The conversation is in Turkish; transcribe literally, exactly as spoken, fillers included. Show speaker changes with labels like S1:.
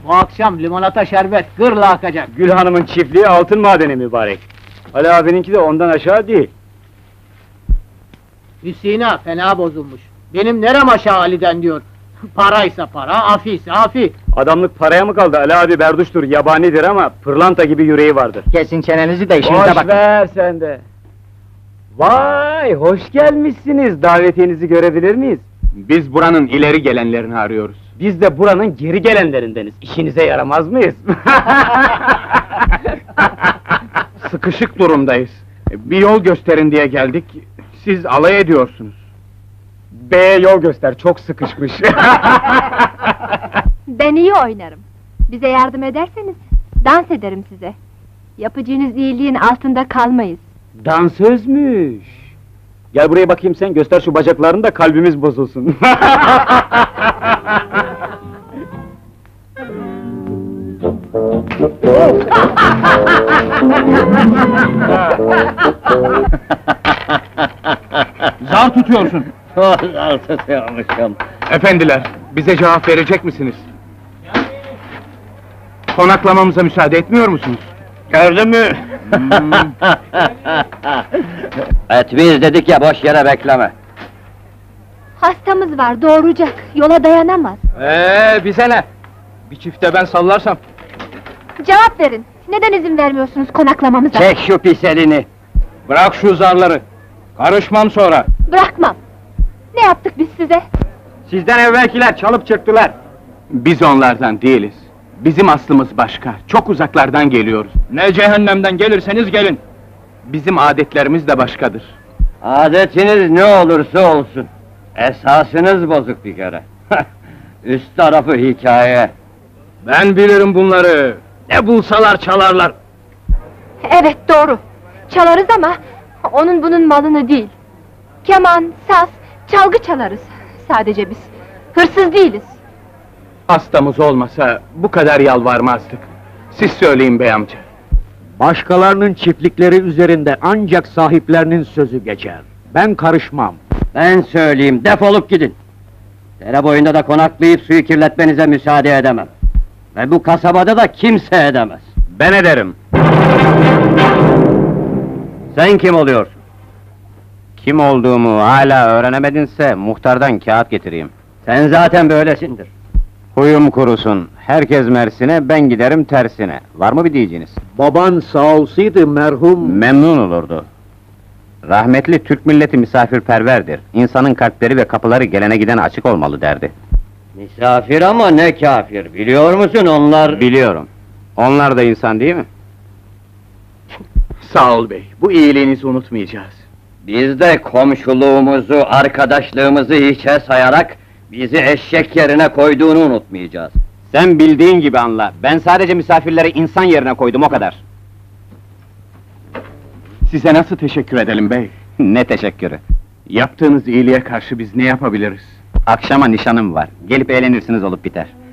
S1: Bu akşam limonata şerbet gırla akacak.
S2: Gül Hanım'ın çiftliği altın madeni mübarek. Ali abininki de ondan aşağı değil.
S1: Hüseyin'a fena bozulmuş. Benim nerem aşağı Ali'den diyor. Paraysa para, afiyse afi.
S2: Adamlık paraya mı kaldı? Ali abi berduştur, yabanidir ama pırlanta gibi yüreği vardır.
S3: Kesin çenenizi de işinize
S2: Boş
S3: bakın.
S2: ver sen de. Vay, hoş gelmişsiniz. Davetiyenizi görebilir miyiz?
S4: Biz buranın ileri gelenlerini arıyoruz.
S2: Biz de buranın geri gelenlerindeniz. İşinize yaramaz mıyız?
S4: Sıkışık durumdayız. Bir yol gösterin diye geldik. Siz alay ediyorsunuz.
S2: B'ye yol göster, çok sıkışmış.
S5: Ben iyi oynarım. Bize yardım ederseniz, dans ederim size. Yapacağınız iyiliğin altında kalmayız.
S2: Dansözmüş. Gel buraya bakayım sen, göster şu bacaklarını da kalbimiz bozulsun.
S4: Zar tutuyorsun.
S3: Zar tutuyormuşum.
S4: Efendiler, bize cevap verecek misiniz? Konaklamamıza müsaade etmiyor musunuz?
S3: Gördün mü? Et biz dedik ya, boş yere bekleme.
S5: Hastamız var, doğuracak, yola dayanamaz.
S4: Ee, bize ne? Bir çifte ben sallarsam.
S5: Cevap verin, neden izin vermiyorsunuz konaklamamıza?
S3: Çek şu pis elini!
S4: Bırak şu zarları. Karışmam sonra.
S5: Bırakmam! Ne yaptık biz size?
S2: Sizden evvelkiler çalıp çırptılar.
S4: Biz onlardan değiliz. Bizim aslımız başka, çok uzaklardan geliyoruz. Ne cehennemden gelirseniz gelin. Bizim adetlerimiz de başkadır.
S3: Adetiniz ne olursa olsun, esasınız bozuk bir kere. Üst tarafı hikaye.
S4: Ben bilirim bunları. Ne bulsalar çalarlar.
S5: Evet, doğru! Çalarız ama, onun bunun malını değil. Keman, saz, çalgı çalarız, sadece biz. Hırsız değiliz.
S4: Hastamız olmasa bu kadar yalvarmazdık. Siz söyleyin bey amca.
S6: Başkalarının çiftlikleri üzerinde ancak sahiplerinin sözü geçer. Ben karışmam.
S3: Ben söyleyeyim, defolup gidin! Dere boyunda da konaklayıp suyu kirletmenize müsaade edemem. Ve bu kasabada da kimse edemez.
S2: Ben ederim.
S3: Sen kim oluyorsun?
S2: Kim olduğumu hala öğrenemedinse muhtardan kağıt getireyim.
S3: Sen zaten böylesindir.
S2: Huyum kurusun, herkes Mersin'e, ben giderim tersine. Var mı bir diyeceğiniz?
S6: Baban sağ olsaydı merhum...
S2: Memnun olurdu. Rahmetli Türk milleti misafirperverdir. İnsanın kalpleri ve kapıları gelene gidene açık olmalı derdi.
S3: Misafir ama ne kafir, biliyor musun onlar...
S2: Biliyorum. Onlar da insan değil mi?
S4: Sağ ol bey, bu iyiliğinizi unutmayacağız.
S3: Biz de komşuluğumuzu, arkadaşlığımızı hiçe sayarak... ...bizi eşek yerine koyduğunu unutmayacağız.
S2: Sen bildiğin gibi anla. Ben sadece misafirleri insan yerine koydum, o kadar.
S4: Size nasıl teşekkür edelim bey?
S2: Ne teşekkürü.
S4: Yaptığınız iyiliğe karşı biz ne yapabiliriz?
S2: Akşama nişanım var. Gelip eğlenirsiniz, olup biter.